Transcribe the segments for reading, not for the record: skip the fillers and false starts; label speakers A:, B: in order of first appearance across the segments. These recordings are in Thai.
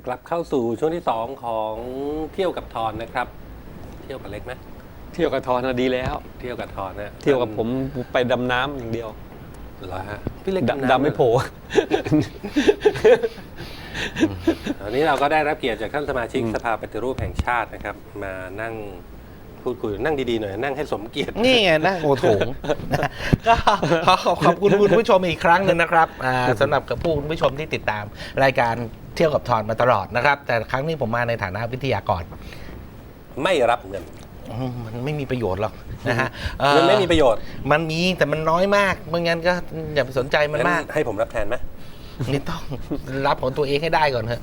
A: กลับเข้าสู่ช่วงที่ 2ของเที่ยวกับทอนนะครับ เที่ยวกับเล็กไหม
B: เที่ยวกับทอนน่ะดีแล้ว
A: เที่ยวกับทอนนะ
B: เที่ยวกับผมไปดำน้ำอย่างเดียว
A: เหรอฮะพี่เล็ก
B: ดำไม่โผล่
A: วันนี้เราก็ได้รับเกียรติจากท่านสมาชิกสภาปฏิรูปแห่งชาตินะครับ มานั่งพูดคุยนั่งดีๆหน่อยนั่งให้สมเกียรติ
C: นี่ไงนะโอโถงก็ขอบคุณคุณผู้ชมอีกครั้งหนึ่งนะครับสำหรับกับคุณผู้ชมที่ติดตามรายการเที่ยวกับทอนมาตลอดนะครับ แต่ครั้งนี้ผมมาในฐานะวิทยากร
A: ไม่รับเงิน
C: มันไม่มีประโยชน์หรอกนะฮะ
A: มันไม่มีประโยชน์
C: มันมีแต่มันน้อยมากไม่งั้นก็อย่าไปสนใจมันมาก
A: งั้นให้ผมรับแทนไหม
C: นี่ต้องรับของตัวเองให้ได้ก่อนเถอะ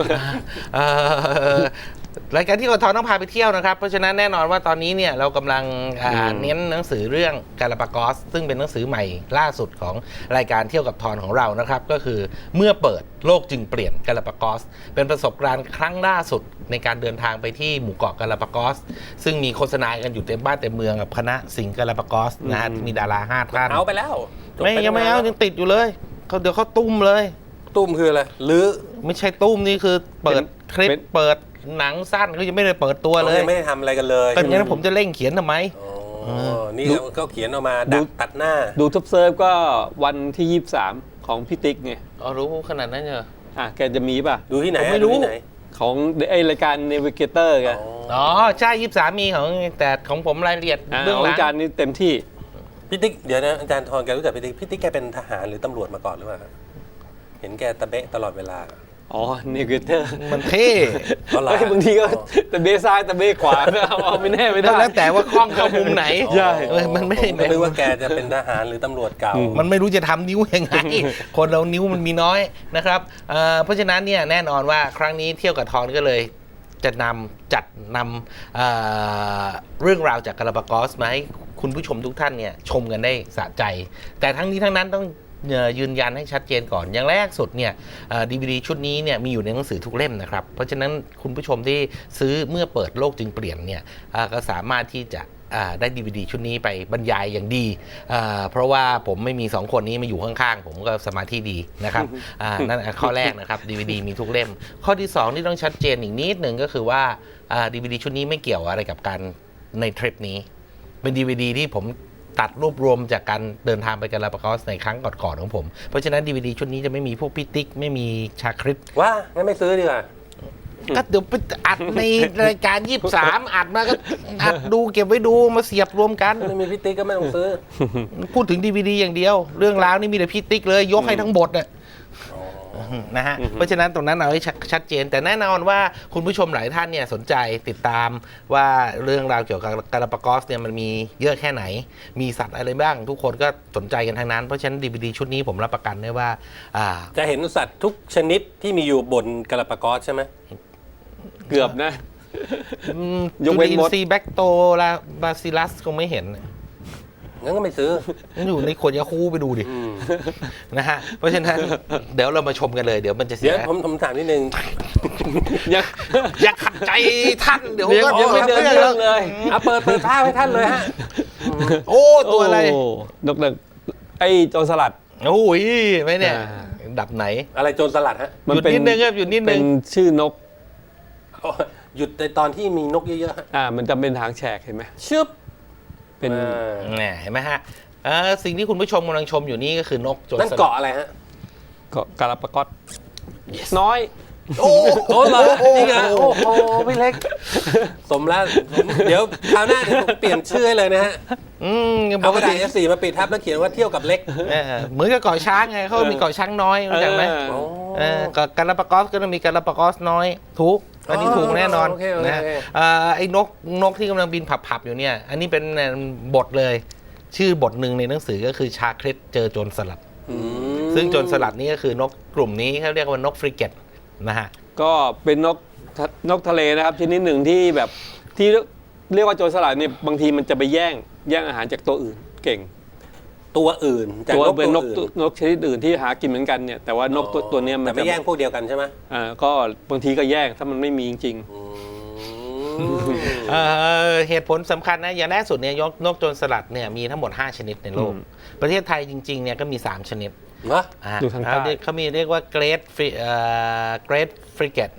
C: รายการที่เราทอนต้องพาไปเที่ยวนะครับเพราะฉะนั้นแน่นอนว่าตอนนี้เนี่ยเรากำลังเน้นหนังสือเรื่องกาลาปากอสซึ่งเป็นหนังสือใหม่ล่าสุดของรายการเที่ยวกับทอนของเรานะครับก็คือเมื่อเปิดโลกจึงเปลี่ยนกาลาปากอสเป็นประสบการณ์ครั้งล่าสุดในการเดินทางไปที่หมู่เกาะกาลาปากอสซึ่งมีโฆษณากันอยู่เต็มบ้านเต็มเมืองกับคณะสิงห์กาลาปากอสนะฮะมีดารา5 ท่าน
A: เอาไปแล้วจบ
C: ไม่
A: ป
C: ยังไม่เอายังติดอยู่เลยเดี๋ยวเขาตุ้มเลย
A: ตุ้มคืออะไรหรือ
C: ไม่ใช่ตุ้มนี่คือเปิดคลิปเปิดหนังสั้นเขายังไม่ได้เปิดตัวเลย
A: ยังไม่ได้ทำอะไรกันเลย
C: ก็อย่างนั้นผมจะเร่งเขียนทำไม
A: อ๋อนี่ก็เขียนออกมาดักตัดหน้า
B: ดูท็อปเซิร์ฟก็วันที่ 23 ของพี่ติ๊กไง
C: อ๋อรู้ขนาดนั้นเหรอ
B: แกจะมีป่ะ
A: ดูที่ไหน
C: ผมไม่รู้
A: ดูที่ไหน
B: ของไอรายการ Navigator ไง
C: อ๋อใช่23มีของแต่ของผมรายละเอียดเรื่อง
B: ของ
C: หลัง
B: อาจารย์นี่เต็มที่
A: พี่ติ๊กเดี๋ยวนะอาจารย์ทอนแกรู้จักพี่ติ๊กแกเป็นทหารหรือตำรวจมาก่อนหรือเปล่าครับเห็นแกตะเบะตลอดเวลา
B: อ๋อ Navigator
C: มันเท่
A: อ๋อเหรอ
B: เฮ้ยบางทีก็ตะเบซ้ายตะเบขวาเอาไม่แน่ไม่ได้
C: แล้วแต่ว่ากล้องเข้ามุมไหน
B: ใช่
C: มันไม่ได้
A: ผมก็นึกว่าแกจะเป็นทหารหรือตำรวจเก่า
C: มันไม่รู้จะทำนิ้วยังไง คนเรานิ้วมันมีน้อยนะครับเพราะฉะนั้นเนี่ยแน่นอนว่าครั้งนี้เที่ยวกับทอนก็เลยจะจัดนำเรื่องราวจากกาลาปากอสมาให้คุณผู้ชมทุกท่านเนี่ยชมกันได้สะใจ แต่ทั้งนี้ทั้งนั้นต้องยืนยันให้ชัดเจนก่อนอย่างแรกสุดเนี่ยDVD ชุดนี้เนี่ยมีอยู่ในหนังสือทุกเล่มนะครับเพราะฉะนั้นคุณผู้ชมที่ซื้อเมื่อเปิดโลกจึงเปลี่ยนเนี่ยก็สามารถที่จะได้ DVD ชุดนี้ไปบรรยายอย่างดีเพราะว่าผมไม่มี2คนนี้มาอยู่ข้างๆผมก็สมาธิดีนะครับนั่นข้อแรกนะครับ DVD มีทุกเล่มข้อที่2ที่ต้องชัดเจนอีกนิดหนึ่งก็คือว่า DVD ชุดนี้ไม่เกี่ยวอะไรกับการในทริปนี้เป็น DVD ที่ผมตัดรวบรวมจากการเดินทางไปกาลาปากอสในครั้งก่อนๆของผมเพราะฉะนั้น DVD ชุดนี้จะไม่มีพวกพิติกไม่มีชาคริต
A: ว่างั้นไม่ซื้อดีกว่า
C: ก็เดี๋ยวไปอัดในรายการ23อัดมาก็อัดดูเก็บไว้ดูมาเสียบรวมกัน
A: ไม่มีพี่ติ๊กก็ไม่ต้องซื้อ
C: พูดถึง DVD อย่างเดียว เรื่องราวนี่มีแต่พี่ติ๊กเลยยกให้ทั้งบทเนี่ยนะฮะเพราะฉะนั้นตรงนั้นเอาให้ชัดเจนแต่แน่นอนว่าคุณผู้ชมหลายท่านเนี่ยสนใจติดตามว่าเรื่องราวเกี่ยวกับกาลาปากอสเนี่ยมันมีเยอะแค่ไหนมีสัตว์อะไรบ้างทุกคนก็สนใจกันทั้งนั้นเพราะฉะนั้น DVD ชุดนี้ผมรับประกันได้ว่า
A: จะเห็นสัตว์ทุกชนิดที่มีอยู่บนกาลาปากอสใช่ไหม
B: เกือบนะ ย
C: จุ
B: กเว้น
C: ลิน
B: มด
C: ทรีย์แบคโตลาบาซิลัสคงไม่เห็น
A: งั้นก็ไม่ซื้อ
C: อยู่ในขวดยาคูไปดูดินะฮะเพราะฉะนั้นเดี๋ยวเรามาชมกันเลยเดี๋ยวมันจะเสี
A: เดี๋ย
C: ยว
A: ผมถามนิดนึง
B: ยัง
C: อย่าขัดใจท่านเดี๋ยวก็
B: ยังไม่เดินเรื่องเลย
A: เอาเปิดภาพให้ท่านเลยฮะ
C: โอ้ตัวอะไร
B: ดกไอ้โจรสลัด
C: โอ้ยไม่เนี่ยดับไหน
A: อะไรโจรสลัดฮะ
C: หยุดนิดนึงครับหยุดนิดนึ
B: เป็
C: ง
B: นชื่อนก
A: หยุดในตอนที่มีนกเยอะๆฮะ
B: มันจะเป็นหางแฉกเห็นไหม
A: ชึบ
B: เป็น
C: เนี่ยเห็นไหมฮะสิ่งที่คุณผู้ชมกำลังชมอยู่นี่ก็คือนกโจรสลัด
A: นั่นเกาะอะไรฮะ
B: เกาะกาลาปากอสน้อย
C: โอ้
A: โอ้เหรอจริงเหรอโอ้โหพี่เล็ก สมแล้วเดี๋ยวคราวหน้าเดี๋ยวผมเปลี่ยนชื่อให้เลยนะฮะ
C: ป
A: เอาก
C: ก
A: ระดา
C: ติ
A: ษ A4 มาปิดทับแล้วเขียนว่าเที่ยวกับเล็ก
C: เหมือนกับเกาะช้างไงเขามีเกาะช้างน้อยรู้จักไหม กาลาปากอสก็ต้องมีกาลาปากอสน้อยถูกอันนี้ถูกแน่นอน
A: โอเค
C: นะไอ้นกที่กำลังบินผับๆอยู่เนี่ยอันนี้เป็นบทเลยชื่อบทหนึ่งในหนังสือก็คือชาคริตเจอโจรสลัดซึ่งโจรสลัดนี่ก็คือนกกลุ่มนี้เขาเรียกว่านกฟริเกตนะฮะ
B: ก็เป็นนกทะเลนะครับชนิดหนึ่งที่แบบที่เรียกว่าโจรสลัดเนี่ยบางทีมันจะไปแย่งอาหารจากตัวอื่นเก่ง
A: ตัวอื่นจาก
B: ตัวน
A: ก
B: เป็น
A: ตัวน
B: ก
A: อื่น
B: นกชนิดอื่นที่หากินเหมือนกันเนี่ยแต่ว่านกตัวเนี้ยมัน
A: แต่ไม่แย่งพวกเดียวกันใช่ไหม
B: ก็บางทีก็แย่งถ้ามันไม่มีจริง
C: เหตุผลสำคัญนะอย่างแรกสุดเนี่ยนกโจรสลัดเนี่ยมีทั้งหมด5ชนิดในโลกประเทศไทยจริงๆเนี่ยก็มี3ชนิด
A: เหรอ
B: อยู่ทางใต้
C: เขามีเรียกว่าเกรดฟริเกต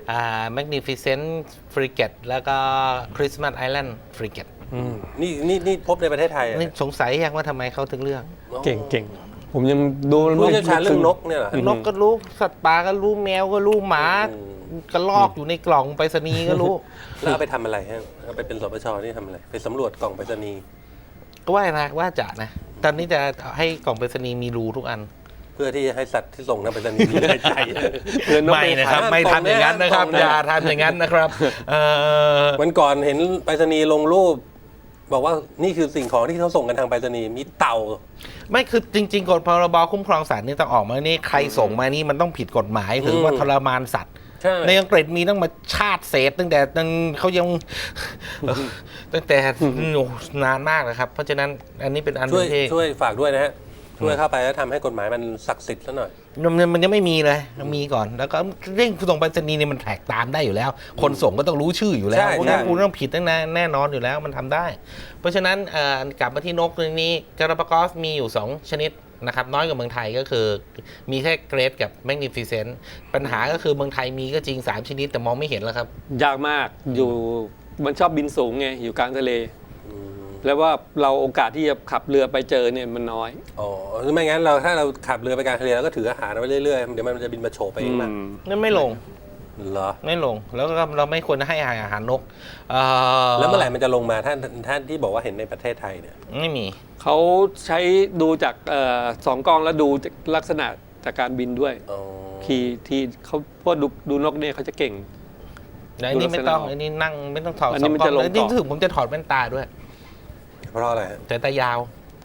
C: Magnificent Frigate แล้วก็ Christmas Island Frigate
A: นี่พบในประเทศไทยอะ
C: นี่สงสัยยังว่าทำไมเขาถึงเลือก
B: เก่งผมยังดู
A: ผู้เชี่ยวชาญเรื่องนกเนี่ยเหรอ
C: นกก็รู้ สัตว์ป่าก็รู้ แมวก็รู้ หมากระลอกอยู่ในกล่องไปรษณีย์ก็รู้
A: แล้วเอาไปทำอะไรฮะเอาไปเป็นสปชนี่ทำอะไรไปสำรวจกล่องไปรษณีย์
C: ก็ว่าจะนะ ตอนนี้จะให้กล่องไปรษณีย์มีรูทุกอัน
A: เพื่อที่จะให้สัตว์ที่ส่งทางไปรษณีย์มีหายใจ
C: ไม่นะครับ ไม่ทำอย่างนั้นนะครับ อย่าทำอย่างนั้นนะครับ
A: วันก่อนเห็นไปรษณีย์ลงรูป บอกว่านี่คือสิ่งของที่เขาส่งกันทางไปรษณีย์มีเต่า
C: ไม่คือจริงๆกฎพรบคุ้มครองสัตว์นี่ต้องออกมานี่ใครส่งมานี่มันต้องผิดกฎหมายถือว่าทรมานสัตว์
A: ใช่
C: ในอังกฤษมีต้องมาชาติเศษตั้งแต่เขายัง ตั้งแต่นานมากนะครับ เพราะฉะนั้นอันนี้เป็นอัน
A: ช่วย
C: ที่
A: ช่วยฝากด้วยนะฮะช่วยเข้าไปแล้วทำให้กฎหมายมันศักดิ์สิทธิ์ซะหน่อย
C: มันยังไม่มีเลยมีก่อน แล้วก็เรื่องส่งไปรษณีย์นี่มันแท็กตามได้อยู่แล้ว คนส่งก็ต้องรู้ชื่ออยู่แล้ว
A: ใช่
C: พวกนั้น
A: ใช่
C: คุณต้องผิดแน่นอนอยู่แล้วมันทำได้ เพราะฉะนั้นกลับมาที่นกตัวนี้กาลาปากอสมีอยู่ 2 ชนิดนะครับน้อยกว่าเมืองไทยก็คือมีแค่เกรดกับแมกนิฟิเซนต์ปัญหาก็คือเมืองไทยมีก็จริง3 ชนิดแต่มองไม่เห็นแล้วครับ
B: ยากมากอยู่มันชอบบินสูงไงอยู่กลางทะเล แล้วว่าเราโอกาสที่จะขับเรือไปเจอเนี่ยมันน้อย
A: อ๋อหรือไม่งั้นถ้าเราขับเรือไปกลางทะเลเราก็ถืออาหารเอาไว้เรื่อยๆเดี๋ยวมันจะบินมาโฉบไปเองมั้ง
C: นั่นไม่ลง
A: เหรอ
C: ไม่ลงแล้วก็เราไม่ควรให้อาหารนก
A: แล้วเมื่อไหร่มันจะลงมาท่านที่บอกว่าเห็นในประเทศไทยเนี่ย
C: ไม่มี
B: เขาใช้ดูจากสองกล้องแล้วดูจากลักษณะจากการบินด้วย
A: อ๋อ
B: ที่เขาพวกดูนกเนี่ยเขาจะเก่ง
C: แล้วอันนี้ไม่ต้องอันนี้นั่งไม่ต้องถอด
B: อัน
C: ส
B: นี้
C: อง
B: มัน
C: กล้อ
B: จะ
C: ง
B: ลง
C: แล้ว
B: ต่
C: ยิ่
B: อ
C: งถึงผมจะถอดแว่นตาด้วย
A: เพราะอะไรฮะ
C: แต่ตายาว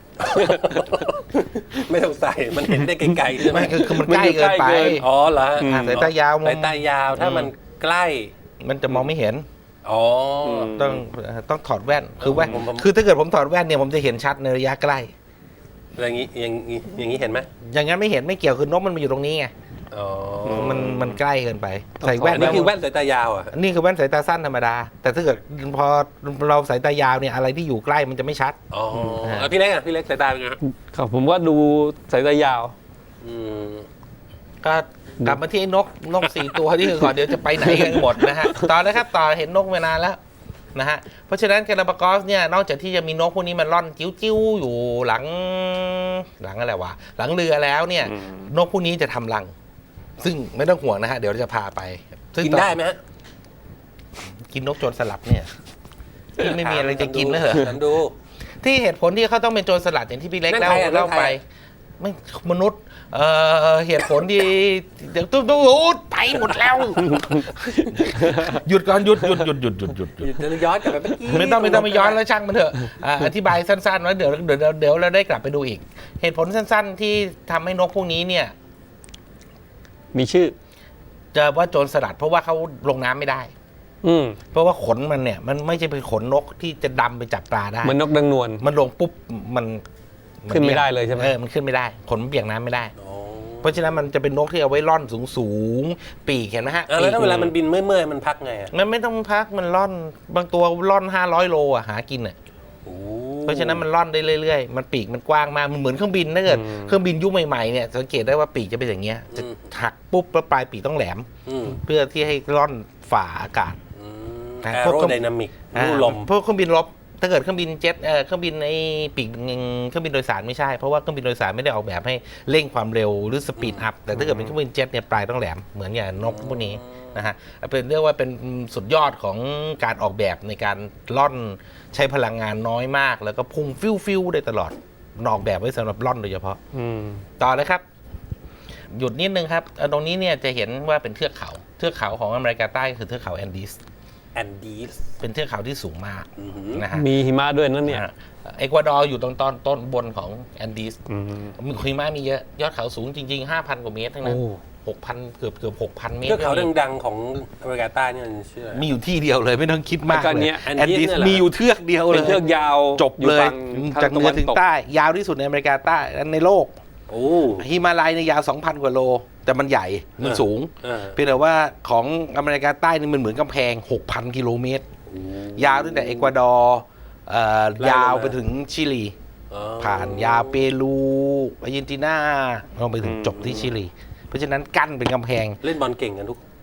A: ไม่ต้องใส่มันเห็นได้ไกลๆใช่ไหม
C: ไม่คือมันใกล้เกินไป
A: อ๋อเหรอฮะ
C: สายตายาว
A: สายตายาวถ้ามันใกล้
C: มันจะมองไม่เห็น
A: อ๋อ
C: ต้องถอดแว่นคือแว่น
A: ผม
C: คือถ้าเกิดผมถอดแว่นเนี่ยผมจะเห็นชัดในระยะใกล้
A: อย่างนี้เห็นไหม
C: อย่างนั้นไม่เห็นไม่เกี่ยวคือนกมันมาอยู่ตรงนี้ไง
A: อ๋อ
C: มันใกล้เกินไปใส่แว่
A: อั
C: น
A: นนี้คือแว่นสายตายาวอ่ะ
C: นี่คือแว่นสายตาสั้นธรรมดา แต่ถ้าเกิดพอเราสายตายาวเนี่ยอะไรที่อยู่ใกล้มันจะไม่ชัด
A: อ๋อแล้วพี่เล็กอ่ะพี่เล็กสายตาเป็นไงฮะ
B: ครับผมว่าดูสายตายาว
A: อืม
C: ก็กลับมาที่นก 4 ตัวที่ก่อนเดี๋ยวจะไปไหนกันหมดนะฮะต่อเลยครับต่อเห็นนกมานานแล้วนะฮะเพราะฉะนั้นกาลาปากอสเนี่ยนอกจากที่จะมีนกพวกนี้มันร่อนจิ้วๆอยู่หลังอะไรวะหลังเรือแล้วเนี่ยนกพวกนี้จะทำรัง ซึ่งไม่ต้องห่วงนะฮะเดี๋ยวเราจะพาไปซึ่ง
A: กินได้ไหมฮะ
C: กินนกโจรสลัดเนี่ยที่ไม่มีอะไรจะกินแล้วเหรอ
A: ถามดู
C: ที่เหตุผลที่เขาต้องเป็นโจรสลัดอย่างที่พี่เล็ก
A: นั่นใครอ่ะ
C: เล่า
A: นั่นใคร
C: ไป ไม่มนุษย์เหตุผลที่เดี๋ยวตู้ไปหมดแล้ว หยุดก่อนหยุด
A: จะย้อนกลับไปเมื่อกี้
C: ไม่ต้องไปย้อนแล้วช่างมันเถอะอธิบายสั้นๆไว้เดี๋ยวเราได้กลับไปดูอีก เหตุผลสั้นๆที่ทำให้นกพวกนี้เนี่ย
B: มีชื่อ
C: จะว่าโจรสลัดเพราะว่าเขาลงน้ำไม่ได้ เพราะว่าขนมันเนี่ยมันไม่ใช่เป็นขนนกที่จะดำไปจับปลาได้
B: มันนกดังนวล
C: มันลงปุ๊บมัน
B: ขึ้นไม่ได้เลยใช่ไหม
C: มันขึ้นไม่ได้ขนมันเปียกน้ำไม่ได้
A: อ๋อ
C: เพราะฉะนั้นมันจะเป็นนกที่เอาไว้ล่อนสูงปีกเห็นไหมฮะ
A: แล้วถ้า
C: ปีก
A: เวลามันบินเมื่อยๆมันพักไงอ่ะ
C: มันไม่ต้องพักมันล่อนบางตัวล่อน500 โลอ่ะหากินอ่ะ
A: โอ้
C: เพราะฉะนั้นมันล่อนได้เรื่อยๆมันปีกมันกว้างมากมันเหมือนเครื่องบินถ้าเกิดเครื่องบินยุคใหม่ๆเนี่ยสังเกตได้ว่าปีกจะเป็นอย่างเงี้ยจะหักปุ๊บแล้วปลายปีกต้องแหลม เพื่อที่ให้ล่อนฝ่าอากาศ
A: แอโรไดนามิกลู่ลม
C: พวกเครื่องบินรบถ้าเกิดเครื่องบินเจ็ตเครื่องบินไอ้ปีกเครื่องบินโดยสารไม่ใช่เพราะว่าเครื่องบินโดยสารไม่ได้ออกแบบให้เร่งความเร็วหรือสปีดอัพแต่ถ้าเกิดเป็นเครื่องบินเจ็ตเนี่ยปลายต้องแหลมเหมือนอย่างนกพวกนี้นะฮะเป็นเรียกว่าเป็นสุดยอดของการออกแบบในการล่อนใช้พลังงานน้อยมาก แล้วก็พุ่งฟิวได้ตลอดออกแบบไว้สำหรับล่อนโดยเฉพาะต่อเลยครับ หยุดนิดนึงครับตรงนี้เนี่ยจะเห็นว่าเป็นเทือกเขาของอเมริกาใต้คือเทือกเขาแอนดีส
A: แอนดีส
C: เป็นเทือกเขาที่สูงมากนะฮะ
B: มีหิมะด้วยนั่นเนี่ย
C: เอกวาดอร์อยู่ตรงต้นบนของแอนดีสมีหิมะมีเยอะยอดเขาสูงจริงๆ 5,000 กว่าเมตรทั้งนั้น 6,000 เกือบ 6,000 เมตร
A: เทือกเขาดังๆของอเมริกาใต้นี่มันชื่ออะไร
C: มีอยู่ที่เดียวเลยไม่ต้องคิดมาก
B: แล้วก็
C: เล
B: เนี่ย
C: ย
A: แอน
C: แอน
A: ดี
C: ดี
A: ส
C: ส
A: เนี่ยเหรอ
C: มีอยู่เทือกเดียวเลย
B: เป็นเทือกยาว
C: จบเลย
B: ฝั่ง
C: จากเหนือถึงใต้ยาวที่สุดในอเมริกาใต้ในโลก
A: โอ้
C: ฮิมาลัยในยาว 2,000 กว่าโล แต่มันใหญ่มันสูง
A: เออ
C: เพียงแต่ว่าของอเมริกาใต้นี่มันเหมือนกำแพง 6,000 กิโลเมตร ยาวตั้งแต่เอกวาดอร์ยาวไปถึงชิลี ผ่านยาวเปรูอาร์เจนตินาลงไปถึงจบที่ชิลี เพราะฉะนั้นกั้นเป็นกำแพง
A: เล่นบอลเก่งกัน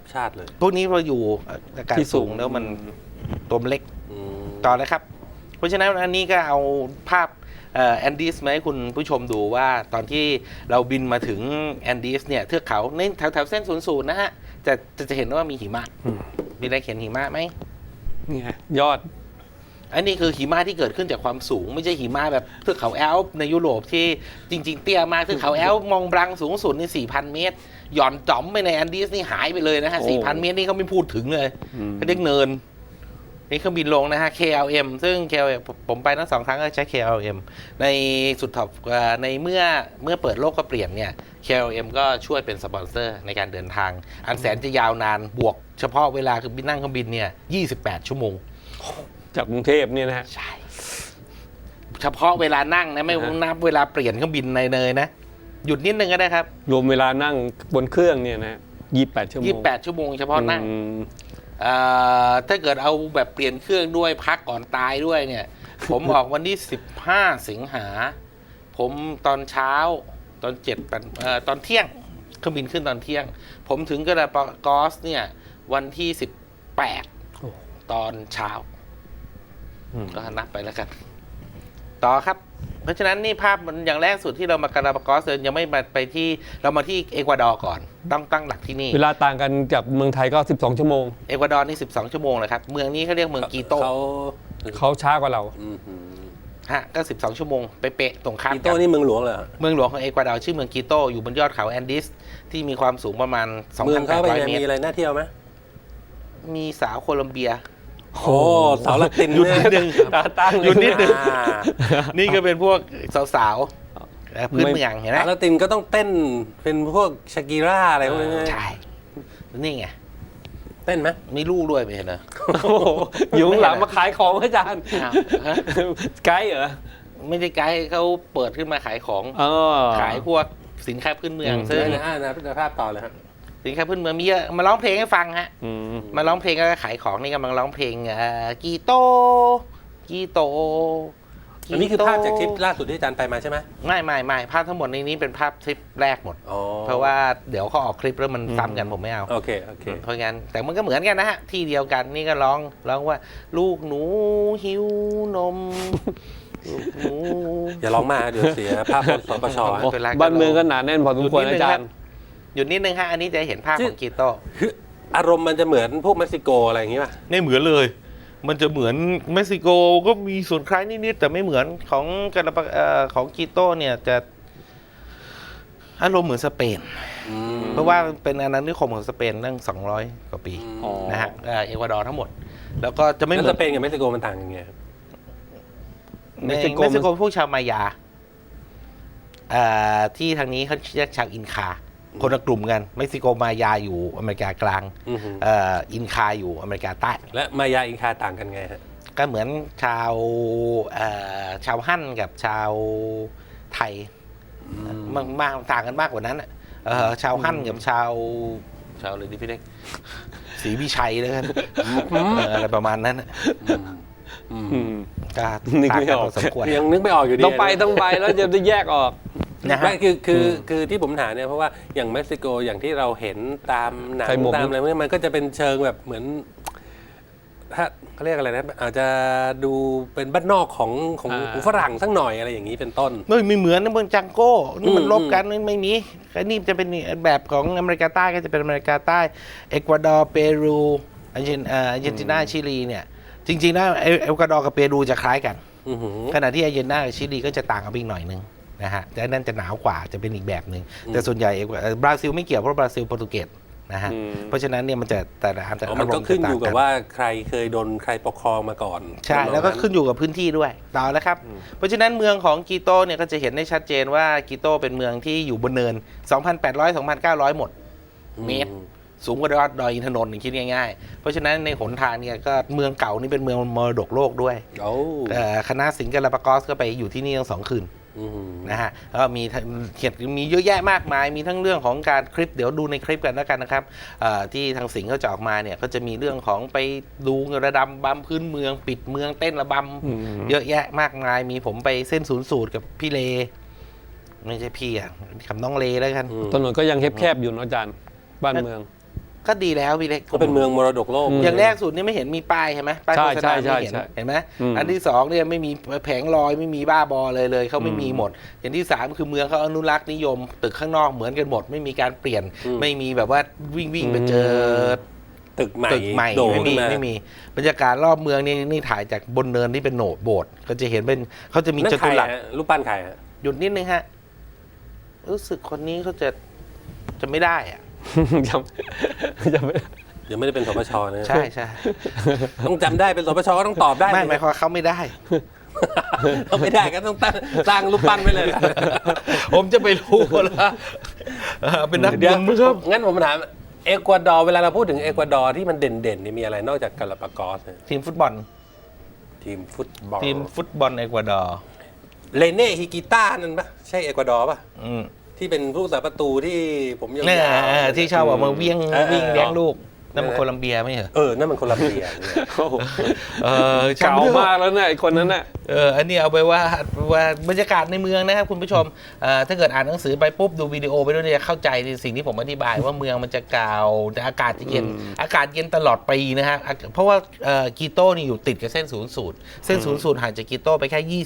A: ชาติเลย
C: พวกนี้พออยู่อากาศ
B: ที่สู
C: สู
B: ง
C: งแล้วมันตัวมันเล็ก
A: อืม
C: ต่อเลยครับ เพราะฉะนั้นอันนี้ก็เอาภาพแอนดีสมาให้คุณผู้ชมดูว่าตอนที่เราบินมาถึงแอนดีสเนี่ยเทือกเขาในแถวๆเส้น00นะฮะจะเห็นว่ามีหิมะมีอะไรเขียนหิมะไหม
B: นี่ไงยอด
C: อันนี้คือหิมะที่เกิดขึ้นจากความสูง ไม่ใช่หิมะแบบเทือกเขาแอลป์ในยุโรปที่จริง ๆ เตี้ยมากเทือกเขาแอลป์มองบลังสูงสุดนี่ 4,000 เมตร หย่อนจ๋อมไปในแอนดีสนี่หายไปเลยนะฮะ
B: โอ้
C: 4,000 เมตรนี่เขาไม่พูดถึงเลย
B: อืม
C: เขาเรียกเนิน นี่เครื่องบินลงนะฮะ KLM ซึ่ง KLM ผมไปทั้ง2 ครั้งก็ใช้ KLM ในสุดท็อปในเมื่อเปิดโลกก็เปลี่ยนเนี่ย KLM ก็ช่วยเป็นสปอนเซอร์ในการเดินทาง อันแสนจะยาวนานบวกเฉพาะเวลาคือบินนั่งเครื่องบินเนี่ย28 ชั่วโมง
B: จากกรุงเทพเนี่ยนะฮะ
C: ใช่ เฉพาะเวลานั่งนะไม่นับเวลาเปลี่ยนเครื่องบินในเนยนะ หยุดนิดนึงก็ได้ครับ
B: รวมเวลานั่งบนเครื่องเนี่ยนะ28 ชั่วโมง
C: 28 ชั่วโมงเฉพาะนั่ง
B: อืม
C: ถ้าเกิดเอาแบบเปลี่ยนเครื่องด้วยพักก่อนตายด้วยเนี่ย ผมออกวันที่15 สิงหา ผมตอนเช้าตอนตอนเที่ยงเครื่องบินขึ้นตอนเที่ยง ผมถึงกาลาปากอสเนี่ยวันที่ 18 ตอนเช้า
B: อืม
C: ก็นับไปแล้วกัน ต่อครับ เพราะฉะนั้นนี่ภาพมันอย่างแรกสุดที่เรามากาลาปากอสยังไม่มาไปที่เรามาที่เอกวาดอร์ก่อนต้องตั้งหลักที่นี่
B: เวลาต่างกันจากเมืองไทยก็ 12 ชั่วโมง
C: เอกวาดอร์นี่12 ชั่วโมงเลยครับ เมืองนี้เขาเรียกเมืองกีโต
B: เขาช้ากว่าเรา
A: อืม
C: ฮะก็ 12 ชั่วโมงเป๊ะๆตรงข้าม
A: กี
C: กั
A: โต้นี่เมืองหลวงเหรอ
C: เมืองหลวงของเอกวาดอร์ชื่อเมืองกีโตอยู่บนยอดเขาแอนดีสที่มีความสูงประมาณ
A: เมืองเขาเป็นไง
C: 2,800 เมต
A: มี
C: ร
A: อะไรน่าเที่ยวไหม
C: มีสาวโคลัมเบีย
A: โอ้สาวละติน
C: หยุด
A: เนี่
C: นิดนึง
B: ตาตั้งเลย
C: หยุดนิดนึง
A: อ่า
C: นี่ก็เป็นพวกสาวๆพื้นเมืองเห็นไหม
A: สาวละตินก็ต้องเต้นเป็นพวกชากิร่าอะไรพวกนี้
C: ใช่ นี่ไง
A: เต้นไหม
C: มีลูกด้วยไม่เห็นเหรอ
B: โอ้โหอยู่ข้างหลังมาขายของอาจารย์
C: อ้าวฮะ
B: ไกด์เหรอ
C: ไม่ได้ไกด์เขาเปิดขึ้นมาขายของ
B: อ๋อ
C: ขายพวกสินค้าพื้นเมือง
B: อืม
C: ซึ่ง
A: ภาพต่อเลยครับ
C: สินค้าพื้นเมืองมีเยอะมาร้องเพลงให้ฟังฮะ
B: อืม
C: มาร้องเพลงก็ขายของนี่กำลังร้องเพลงกีโตกีโต
A: อันนี้คือภาพจากทริปล่าสุดที่อาจารย์ไปมาใช่ไหม
C: ไม่ภาพทั้งหมดในนี้เป็นภาพทริปแรกหมด
A: อ๋อ
C: เพราะว่าเดี๋ยวเขาออกคลิปแล้วมันซ้ำกันผมไม่เอา
A: โอเค
C: เพราะงั้นแต่มันก็เหมือนกันนะฮะ ที่เดียวกันนี่ก็ร้องว่า ลูกหนูหิวนม ลูกหนู
A: อย่าร้องมากเดี๋ยวเสียภาพสปช
C: ไม่เป็นไร
B: บ้านเมืองก็หนาแน่นพอสมควรอาจารย์
C: หยุดนิดนึงฮะอันนี้จะเห็นภาพของกีโต
A: คืออารมณ์มันจะเหมือนพวกเม็กซิโกอะไรอย่างงี้ป่ะ
C: ไม่เหมือนเลย มันจะเหมือนเม็กซิโกก็มีส่วนคล้ายนิดๆแต่ไม่เหมือนของของกีโตเนี่ยจะอารมณ์เหมือนสเปน เพราะว่าเป็นอาณานิคมของสเปนตั้ง200 กว่าปี
B: อ๋อ
C: นะฮะเอกวาดอร์ทั้งหมด แล้วก็จะไม่
A: แล้ว
C: เหมื
A: ส
C: อน
A: เปนกับเม็กซิโกมันต่างกันไงครับ
C: ใน
B: เม็กซิโก
C: เม็กซิโกพวกชาวมายาที่ทางนี้เขาเรียกชาวอินคา คนละกลุ่มกันเม็กซิโกมายาอยู่อเมริกากลาง
A: อือหือ
C: อินคาอยู่อเมริกาใต้
A: และมายาอินคาต่างกันไงฮะ
C: ก็เหมือนชาวฮั่นกับชาวไทยมากต่างกันมากกว่านั้นน่ะชาวฮั่นกับชาวอะไรดิพี่เล็กศรีวิชัยแล้วกันอะไรประมาณนั้นน่ะ
B: อืม
C: ก็
B: นึก
C: ต่าง
B: ไม่
C: กัน
B: ออก
C: พอสมควร
A: ยังนึกไม่ออกอยู่ดี
B: ต้องไปแล้วจะได้แยกออก
C: นะฮะ
A: ไม่คือที่ผมถามเนี่ยเพราะว่าอย่างเม็กซิโกอย่างที่เราเห็นตามหนัง
B: ใส่หมวก
A: ตามอะไรพวกนี้มันก็จะเป็นเชิงแบบเหมือนถ้าเขาเรียกอะไรนะอาจจะดูเป็นบ้านนอกของฝรั่งสักหน่อยอะไรอย่างนี้เป็นต้น
C: ไม่เหมือนนะเมืองจังโก้นี่มัน
A: อืม
C: ลบกันไม่มีอันนี้จะเป็นแบบของอเมริกาใต้ก็จะเป็นอเมริกาใต้เอกวาดอร์เปรูอาร์เจนตินาชิลีเนี่ยจริงๆแล้วเอกวาดอร์กับเปรูจะคล้ายกัน
A: อือหือ
C: ขณะที่อาร์เจนตินากับชิลีก็จะต่างกันไปอีกหน่อยนึงนะฮะแต่นั่นจะหนาวกว่าจะเป็นอีกแบบหนึ่งแต่ส่วนใหญ่บราซิลไม่เกี่ยวเพราะบราซิลโปรตุเกสนะฮะ
B: อืม
C: เพราะฉะนั้นเนี่ยมันจะแต่ละอันแต่
A: อ๋อมันก็ขึ้นอยู่กับว่าใครเคยโดนใครปกครองมาก่อน
C: ใช่แล้วก็ขึ้นอยู่กับพื้นที่ด้วยต่อแล้วครับ เพราะฉะนั้นเมืองของกีโตเนี่ยก็จะเห็นได้ชัดเจนว่ากีโตเป็นเมืองที่อยู่บนเนิน 2,800 2,900 หมด เมตร สูงกว่ายอดดอยอินทนนท์คิดง่ายๆ เพราะฉะนั้นในหนทางเนี่ยก็เมืองเก่านี่เป็นเมืองมรดกโลกด้วย
A: โอ้
C: คณะสิงห์กาลาปากอสก็ไปอยู่ที่นี่ทั้ง2 คืน
A: อือหือ
C: นะฮะแล้วก็มีเขียนมีเยอะแยะมากมาย มีทั้งเรื่องของการคลิปเดี๋ยวดูในคลิปกันแล้วกันนะครับที่ทางสิงห์เขาจะออกมาเนี่ยก็จะมีเรื่องของไปดูระดำบำพื้นเมือง ปิดเมืองเต้นระบำเยอะแยะมากมายมีผมไปเส้นศูนย์สูตรกับพี่เลไม่ใช่พี่กับน้องเลแล้วกัน
B: ถนนก็ยังแคบๆอยู่เนอะอาจารย์บ้านเมือง
C: ก็ดีแล้วพี่เล็ก
A: ก็เป็นเมืองมรดกโลก
C: อย่างแรกสุดนี่ไม่เห็นมีป้ายใช่ไหมป้ายโฆษณาไม่เห็นเห็นไหมอันที่สองเนี่ยไม่มีแผงลอยไม่มีบ้าบอเลยเขาไม่มีหมด อย่างที่สามคือเมืองเขาอนุรักษ์นิยมตึกข้างนอกเหมือนกันหมดไม่มีการเปลี่ยนไม่มีแบบว่าวิ่งไปเจอ
A: ตึกใหม่
C: ไม่มีบรรยากาศรอบเมืองนี่ถ่ายจากบนเนินที่เป็นโบสถ์ก็จะเห็นเป็นเขาจะมี
A: นั่น
C: จ
A: ใคร
C: ตุรัส
A: ฮะรูปปั้นใครฮะ
C: หยุดนิดนึงฮะรู้สึกคนนี้เขาจะไม่ได้อะ
B: ยังไม่
A: ยังไม่ได้เป็นสปชนะ
C: ใช่
A: ต้องจำได้เป็นสปชก็ต้องตอบได้
C: ไม่หมายความว่าเขาไม่ได้
A: ต้องไม่ได้ก็ต้องสร้างรูปปั้นไว้เลย
C: ผมจะไปรู้แล้วเป็นนักบุญมั้งครับ
A: งั้นผมถามเอกวาดอร์เวลาเราพูดถึงเอกวาดอร์ที่มันเด่นๆนี่มีอะไรนอกจากกาลาปากอสเนี่ย
C: ทีมฟุตบอล
A: ทีมฟุตบอล
C: ทีมฟุตบอลเอกวาดอร์
A: เลเน่ฮิกิต้านั่นปะใช่เอกวาดอร์ปะ
C: อืม
A: ที่เป็นผู้สาประตูที่ผมยาว
C: เนี่ย
A: ๆ
C: ที่ชอบออกมาวิ่ง
A: เออ
C: เลี้ยงลูกนั่นมัน
A: เออ
C: โคลัมเบียไม่เหรอ
A: นั่นมันโคลัมเบียเนี่ย
B: โอ้โห
C: ช่
B: เก่ามากแล้วเนี่ยไอ้คนนั้นน่ะ
C: อันนี้เอาไปว่าบรรยากาศในเมืองนะครับคุณผู้ชมถ้าเกิดอ่านหนังสือไปปุ๊บดูวิดีโอไปด้วยเนี่ยจะเข้าใจในสิ่งที่ผมอธิบายว่าเมืองมันจะเก่าแต่อากาศจะเย็นอากาศเย็นตลอดปีนะฮะเพราะว่ากีโต้นี่อยู่ติดกับเส้นศูนย์สูตรเส้นศูนย์สูตรห่างจากกีโต้ไปแค่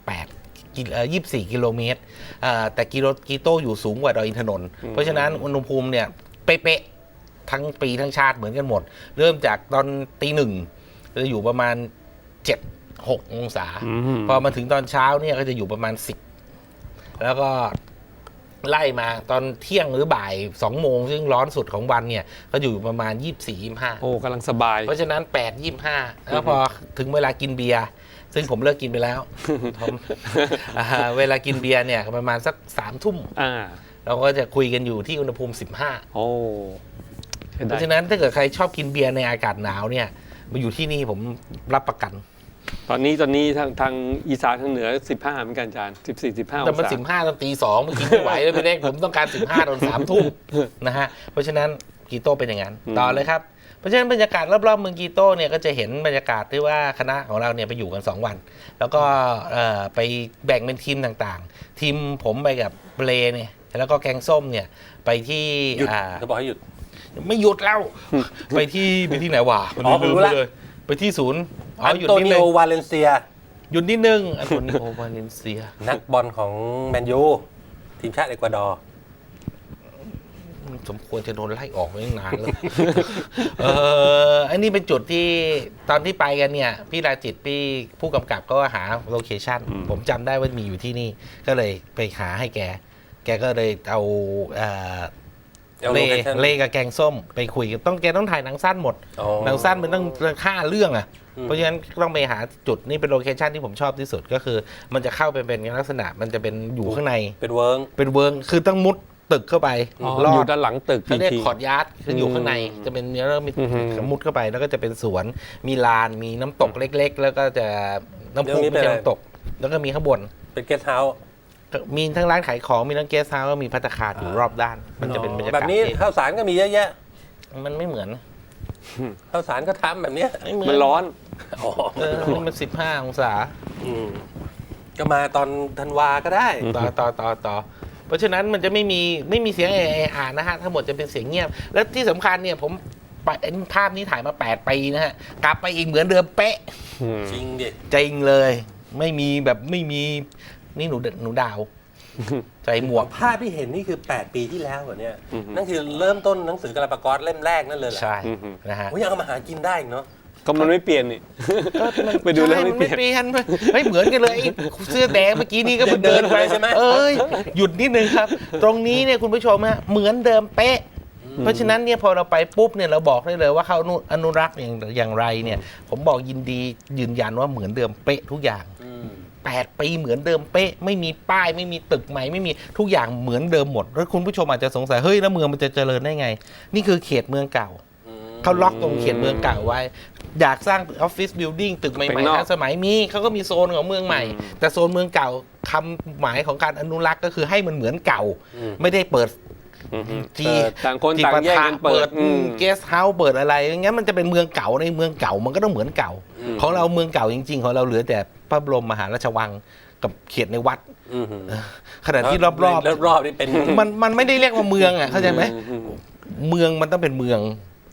C: 24 กิโลเมตรแต่กีโต้อยู่สูงกว่าดอยอินทนนท์เพราะฉะนั้นอุณหภูมิเนี่ยเป๊ะๆทั้งปีทั้งชาติเหมือนกันหมด เริ่มจากตอนตีหนึ่งจะอยู่ประมาณ 7-6 องศา พอมาถึงตอนเช้าเนี่ยก็จะอยู่ประมาณ 10 แล้วก็ไล่มาตอนเที่ยงหรือบ่าย 2 โมงซึ่งร้อนสุดของวันเนี่ยก็อยู่ประมาณ 24-25
B: โอ้กำลังสบาย
C: เพราะฉะนั้น 8-25 แล้วพอถึงเวลากินเบียร์ซึ่งผมเลิกกินไปแล้ว ผมเวลากินเบียร์เนี่ยประมาณสัก 3 ทุ่ม เราก็จะคุยกันอยู่ที่อุณหภูมิ 15
B: โอ้
C: เพราะฉะนั้นถ้าเกิดใครชอบกินเบียร์ในอากาศหนาวเนี่ยมาอยู่ที่นี่ผมรับประกัน
B: ตอนนี้ทางอีสานทางเหนือ15เหมือนกันอาจารย์14-15
C: แต่
B: อง
C: มัน
B: ศา
C: 15ตอนตี 2เมื่อกี้ไม่ไหวแล้วพี่เล็กผมต้องการ15ตอน3 ทุ่มนะฮะเพราะฉะนั้นกีโต้เป็นอย่างนั้นต่อเลยครับเพราะฉะนั้นบรรยากาศรอบๆเมืองกีโต้เนี่ยก็จะเห็นบรรยากาศที่ว่าคณะของเราเนี่ยไปอยู่กัน2 วัน แล้วก็ไปแบ่งเป็นทีมต่างๆ ทีมผมไปกับเบลเนี่ยแล้วก็แกงส้มเนี่ยไปที่
A: หยุดเขาบอกให้หยุด
C: ไม่หยุดแล้ว ไปที่ไหนวะ
A: อ๋อผมรู้ละ
C: เลยไปที่ศูนย์
A: อัน
C: หยุด
A: โต
C: นิด
A: นิ
C: นึ
A: โอง วาเลนเซีย
C: หยุดนิดนึงอันโตนิโอวาเลนเซีย
A: นักบอลของแมนยูทีมชาติเอกวาดอร์
C: สมควรจะโดนไล่ออกมาตั้งนานแล้ว อันนี้เป็นจุดที่ตอนที่ไปกันเนี่ย พี่ราจิตพี่ผู้กำกับก็หาโลเคชั่นผมจำได้ว่ามีอยู่ที่นี่ ก็เลยไปหาให้แกก็เลยเอาเล่กับแกงส้มไปคุยกับแกต้องถ่ายหนังสั้นหมด หนังสั้นมันต้อง5 เรื่องอ่ะ เพราะฉะนั้นต้องไปหาจุดนี่เป็นโลเคชั่นที่ผมชอบที่สุดก็คือ มันจะเข้าไปเป็นลักษณะมันจะเป็นอยู่ข้างใน
A: เป็นเวิร์ง
C: คือต้องมุดตึกเข้าไป
B: อยู่ด้านหลังตึก
C: เขาเรียก
B: ที
C: คอร์ดยาร์ดคืออยู่ข้างในจะเป็นเนื้อแล้วมีมุดเข้าไปแล้วก็จะเป็นสวนมีลานมีน้ำตกเล็ก ๆ แล้วก็จะน้ำพุไม่ใช่น้ำตก แล้วก็มีข้างบน
A: เป็นเกสต์เฮาส์
C: มีทั้งร้านขายของมีทั้งเกสต์เฮาส์มีภัตตาคารอยู่รอบด้าน มันจะเป็นบรรยากาศ
A: แบบนี้ข้าวสารก็มีเยอะแยะ
C: มันไม่เหมือน
A: ข้าวสารก็ทำแบบเนี้ย
C: ไม่เหมือน
B: มันร้อน
A: อ๋อ
C: นี่มัน15 องศา
A: ก็มาตอนธันวาก็ได้
C: ต่อเพราะฉะนั้นมันจะไม่มีเสียงอ่านนะฮะทั้งหมดจะเป็นเสียงเงียบ และที่สำคัญเนี่ยผมไปภาพนี้ถ่ายมา8 ปีนะฮะกลับไปอีกเหมือนเดิมเป๊ะ
A: จริงดิ
C: จริงเลย ไม่มีนี่หนูดาวใส่หมวก
A: ภาพที่เห็นนี่คือ 8 ปีที่แล้วเหรอเนี่ยนั่นคือเริ่มต้นหนังสือกาลาปากอสเล่มแรกนั่นเลยเหรอ
C: ใช่นะฮะ
A: โอ้ยยังเอามาหากินได้อีกเนาะ
B: ก็มันไม่เปลี่ยนนี่ ไปดูแล้ว
C: ใช่
B: ไม่
C: มัน
B: เปลี่
C: ไม่
B: ยน
C: เปลี่ยนเฮ้ยเหมือนกันเลยไอ้เสื้อแดงเมื่อกี้นี่ก็เพิ่งเดินไป
A: ใช่ไหม
C: เอ้ยหยุดนิดนึงครับ ตรงนี้เนี่ยคุณผู้ชมฮะเหมือนเดิมเป๊ะ เพราะฉะนั้นเนี่ยพอเราไปปุ๊บเนี่ยเราบอกได้เลยว่าเขาอนุรักษ์อย่างไรเนี่ย ผมบอกยินดียืนยันว่าเหมือนเดิมเป๊ะทุกอย่าง 8 ปีเหมือนเดิมเป๊ะไม่มีป้ายไม่มีตึกใหม่ไม่มีทุกอย่างเหมือนเดิมหมดแล้วคุณผู้ชมอาจจะสงสัยเฮ้ยแล้วเมืองมันจะเจริญได้ไง นี่คือเขตเมืองเก่าเขาล็อกตรงเขตเมืองเก่าไว้อยากสร้างออฟฟิศบิลดิ้งตึกใหม่ๆทันสมัยมีเขาก็มีโซนของเมืองใหม่ แต่โซนเมืองเก่าคำหมายของการอนุรักษ์ก็คือให้มันเหมือนเก่า ไม่ได้เปิดจี
B: ต่างคนต่างแยกกันเปิด
C: เกสต์เฮาส์เปิดอะไรงั้นมันจะเป็นเมืองเก่าในเมืองเก่ามันก็ต้องเหมือนเก่า ของเราเมืองเก่าจริงๆของเราเหลือแต่พระบรมมหาราชวังกับเขตในวัดขณะที่รอบๆ
A: นี่เป็น
C: มันไม่ได้เรียกว่าเมืองอ่ะเข้าใจไหมเมืองมันต้องเป็นเมือง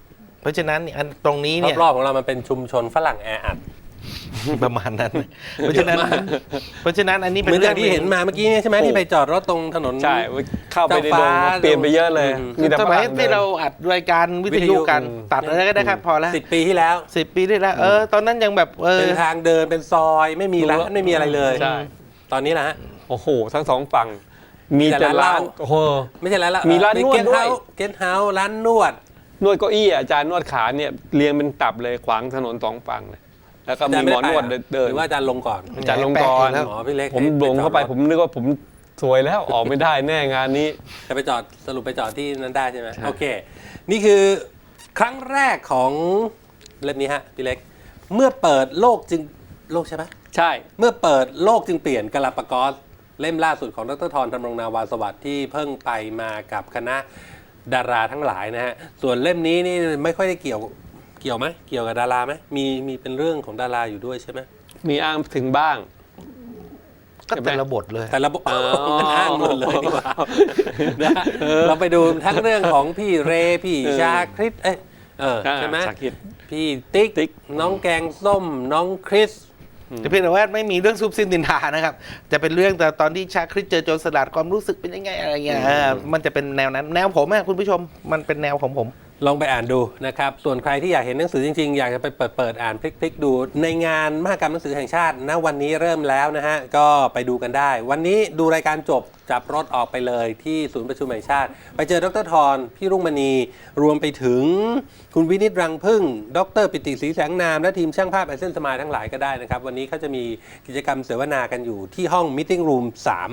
C: เพราะฉะนั้นอันตรงนี้เนี่ย
A: รอบๆของเรามันเป็นชุมชนฝรั่งแออัด
C: ประมาณนั้น เพราะฉะนั้นอันนี้
A: เห
C: เป็น
A: มือน
C: เรื่
A: อ
C: อย่าง
A: ที่เห็นมาเมื่อกี้เนี่ยใช่ไหมที่ไปจอดรถตรงถนน
B: ใช่เข้าไปใน
A: เจ้า
B: ด
A: ฟ้า
B: งเปลี่ยนไปเยอะเลย มีแต่
C: ส
B: ฝ
C: มัย
B: รั่ง
C: ที่เราอัดรายการวิทยุกัน ตัดอะไรก็ได้ครับพอแล้ว
A: 10 ปีที่แล้ว
C: 10 ปีที่แล้วตอนนั้นยังแบบ
A: เป็นทางเดินเป็นซอยไม่มีร้านไม่มีอะไรเลย
B: ใช่
A: ตอนนี้นะฮะ
B: โอ้โห ทั้งสองฝั่ง มีแต่
A: แต่ร้า
B: ร้าน น
A: เหล้า
B: โอ้โห
A: ไม่ใช่ร้านละ
B: มีร้านนวดด้วย
A: เกสต์เฮาส์ร้านนวด
B: นวดเก้าอี้อาจารย์นวดขาเนี่ยเรียงเป็นตับเลยขวางถนนสองฝั่งเลยแล้วก็มีหมอนวดเดิน
A: หรือว่าอาจารย์ลงก่อน
B: อาจารย์ลงกรณ์
A: หมอพี่เล็ก
B: ผมหลงเข้าไปผมนึกว่าผมสวยแล้วออกไม่ได้แน่งานนี้
A: จะไปจอดสรุปไปจอดที่นั้นได้ใช่ไหม
B: ใช่
A: โอเค นี่คือครั้งแรกของเล่มนี้ฮะพี่เล็ก เมื่อเปิดโลกจึงโลกใช่ไหม
B: ใช่
A: เมื่อเปิดโลกจึงเปลี่ยนกาลาปากอสเล่มล่าสุดของดรธรธรรมรงนาวาสวัสดิ์ที่เพิ่งไปมากับคณะดาราทั้งหลายนะฮะส่วนเล่มนี้นี่ไม่ค่อยได้เกี่ยวไหมเกี่ยวกับดาราไหมมีเป็นเรื่องของดาราอยู่ด้วยใช่ไหม
B: มีอ้างถึงบ้าง
C: ก็แต่ละบทเลย
A: แต่ระบบมันอ้างหมดเลยดีกว่านะฮะเราไปดูทั้งเรื่องของพี่เรพี่ชาคริสใช่ไหม
B: ชาคริส
A: พี่ติ๊ก
B: ติ๊ก
A: น้องแกงส้มน้องคริส
C: แต่เพียงแต่ว่าไม่มีเรื่องซุบซิบนินทานะครับ จะเป็นเรื่องแต่ตอนที่ชาคริสเจอโจรสลัดความรู้สึกเป็นยังไงอะไรเงี้ยมันจะเป็นแนวนั้นแนวผมอะคุณผู้ชมมันเป็นแนวของผม
A: ลองไปอ่านดูนะครับ ส่วนใครที่อยากเห็นหนังสือจริงๆ อยากจะไปเปิดอ่านพลิกๆดู ในงานมหกรรมหนังสือแห่งชาติณวันนี้เริ่มแล้วนะฮะ ก็ไปดูกันได้ วันนี้ดูรายการจบจับรถออกไปเลยที่ศูนย์ประชุมแห่งชาติ ไปเจอดรธรพี่รุ่งมณีรวมไปถึงคุณวินิตรังพึ่ง ดรปิติศรีแสงนาม และทีมช่างภาพไอเซนสมายทั้งหลายก็ได้นะครับ วันนี้เขาจะมีกิจกรรมเสวนากันอยู่ที่ห้อง Meeting Room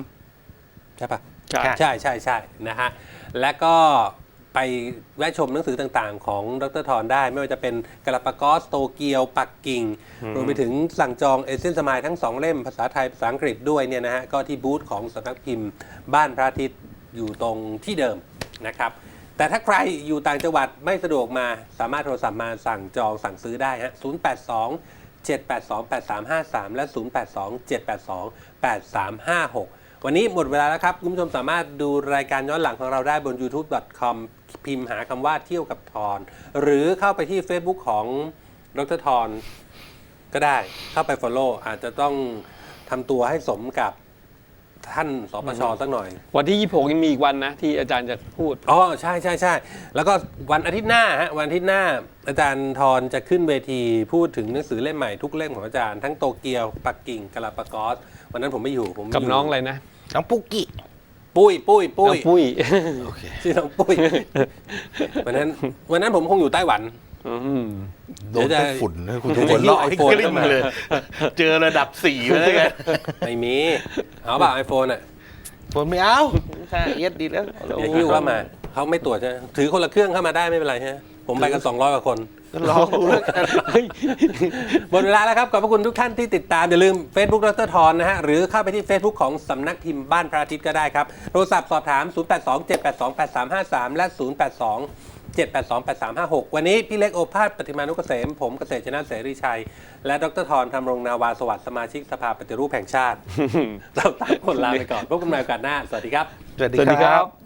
A: 3 ใช่ปะ
B: ใช่
A: ใช่นะฮะ และก็ไปแวะชมหนังสือต่างๆ ของดรธรได้ ไม่ว่าจะเป็นกาลาปากอสโตเกียว ปักกิ่ง รวมไปถึงสั่งจองเอเซนสมายทั้ง 2 เล่ม ภาษาไทย ภาษาอังกฤษด้วยเนี่ยนะฮะ ก็ที่บูธของสำนักพิมพ์บ้านพระอาทิตย์อยู่ตรงที่เดิมนะครับ แต่ถ้าใครอยู่ต่างจังหวัดไม่สะดวกมาสามารถโทรศัพท์มาสั่งจองสั่งซื้อได้ฮะ 082-782-8353 และ 082-782-8356 วันนี้หมดเวลาแล้วครับ คุณผู้ชมสามารถดูรายการย้อนหลังของเราได้บน youtube.com พิมพ์หาคำว่าเที่ยวกับทรหรือเข้าไปที่ Facebook ของดรธรก็ได้เข้าไป follow อาจจะต้องทำตัวให้สมกับท่านสปชสักหน่อย
B: วันที่ 26ยังมีอีกวันนะที่อาจารย์จะพูด
A: อ๋อใช่แล้วก็วันอาทิตย์หน้าฮะวันอาทิตย์หน้าอาจารย์ธรจะขึ้นเวทีพูดถึงหนังสือเล่มใหม่ทุกเล่มของอาจารย์ทั้งโตเกียวปักกิ่งกาลาปากอสวันนั้นผมไม่อยู่ผม
B: กับน้องอะไรนะ
C: น้องปุ๊กกี้
A: ปุ้ย
B: น้องปุ้ย
A: ชื่อน้องปุ้ยวันนั้นผมคงอยู่ไต้หวัน
B: อืม
C: โดนแต่ฝุ่นนะคุณ
A: เดี๋
C: ทุ
A: ยวจะ
C: กคน
A: หิ้ว
C: ลอย
A: iPhone
C: กลิ้งเลย เจอระดับ4แล้วไง
A: ไม่มีเอาเปล่าไอโฟนอ่ะ
C: ผมไม่เอาใช่เย็ดดีแล้ว
A: เดี๋ยวหิ้วเข้ามาเขาไม่ตรวจใช่ไหมถือคนละเครื่องเข้ามาได้ไม่เป็นไรใช่ไหมผมไปกัน200 กว่าคน
C: ก็ลองดูแล้วกัน
A: หมดเวลาแล้วครับ ขอบพระคุณทุกท่านที่ติดตาม อย่าลืม Facebook ดรธรนะฮะ หรือเข้าไปที่ Facebook ของสำนักพิมพ์บ้านพระอาทิตย์ก็ได้ครับ โทรศัพท์สอบถาม 0827828353 และ 0827828356 วันนี้พี่เล็กโอภาสปฏิมานุกเกษม ผมเกษตรชนะเสรีชัย และดรธรธรรมรงนาวาสวัสดิ์สมาชิกสภาปฏิรูปแห่งชาติ เราตั้งคนลาไปก่อนพบกันใหม่โอกาสหน้า สวัสดีครับ
C: สวัสดี
B: สวัสดี
C: ค
B: ค
C: รั
B: รับ บ